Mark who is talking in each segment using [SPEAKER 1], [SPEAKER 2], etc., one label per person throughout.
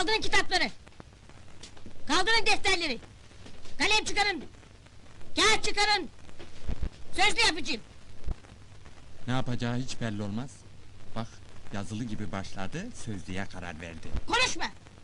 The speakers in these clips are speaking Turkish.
[SPEAKER 1] Kaldırın kitapları! Kaldırın defterleri! Kalem çıkarın! Kağıt çıkarın! Sözlü yapacağım!
[SPEAKER 2] Ne yapacağı hiç belli olmaz. Bak, yazılı gibi başladı, sözlüğe karar verdi.
[SPEAKER 1] Konuşma!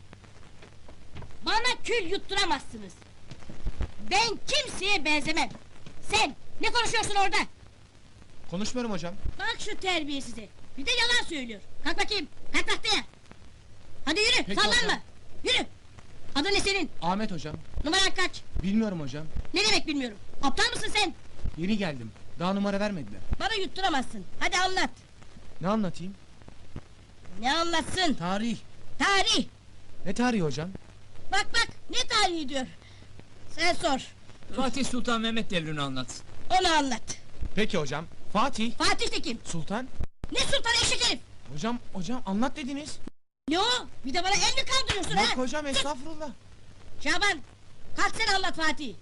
[SPEAKER 1] Bana kül yutturamazsınız! Ben kimseye benzemem! Sen, ne konuşuyorsun orada?
[SPEAKER 3] Konuşmuyorum hocam.
[SPEAKER 1] Bak şu terbiyesize! Bir de yalan söylüyor! Kalk bakayım, kalk tahtaya! Hadi yürü,
[SPEAKER 3] Peki
[SPEAKER 1] sallanma!
[SPEAKER 3] hocam.
[SPEAKER 1] Yürü! Adın ne senin?
[SPEAKER 3] Ahmet hocam.
[SPEAKER 1] Numaran kaç?
[SPEAKER 3] Bilmiyorum hocam.
[SPEAKER 1] Ne demek bilmiyorum! Aptal mısın sen?
[SPEAKER 3] Yeni geldim. Daha numara vermediler.
[SPEAKER 1] Bana yutturamazsın! Hadi anlat!
[SPEAKER 3] Ne anlatayım?
[SPEAKER 1] Ne anlatsın?
[SPEAKER 3] Tarih.
[SPEAKER 1] Tarih!
[SPEAKER 3] Ne tarihi hocam?
[SPEAKER 1] Bak bak, ne tarihi diyor! Sen sor,
[SPEAKER 4] Fatih Sultan Mehmet devrini anlatsın.
[SPEAKER 1] onu anlat!
[SPEAKER 3] Peki hocam. Fatih.
[SPEAKER 1] Fatih de kim?
[SPEAKER 3] Sultan.
[SPEAKER 1] Ne sultan eşek herif!
[SPEAKER 3] Hocam anlat dediniz.
[SPEAKER 1] Ne o? Bir de bana el mi kaldırıyorsun
[SPEAKER 3] Bak
[SPEAKER 1] ha?
[SPEAKER 3] hocam estağfurullah.
[SPEAKER 1] Şaban, kalk sen anlat Fatih!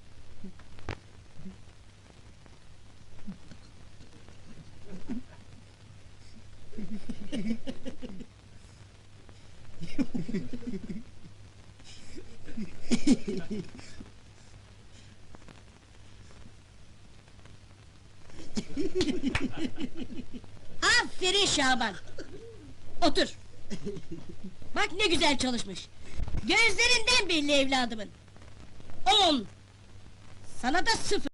[SPEAKER 1] Aferin Şaban! Otur! Bak ne güzel çalışmış! Gözlerinden belli evladımın! 10! Sana da 0!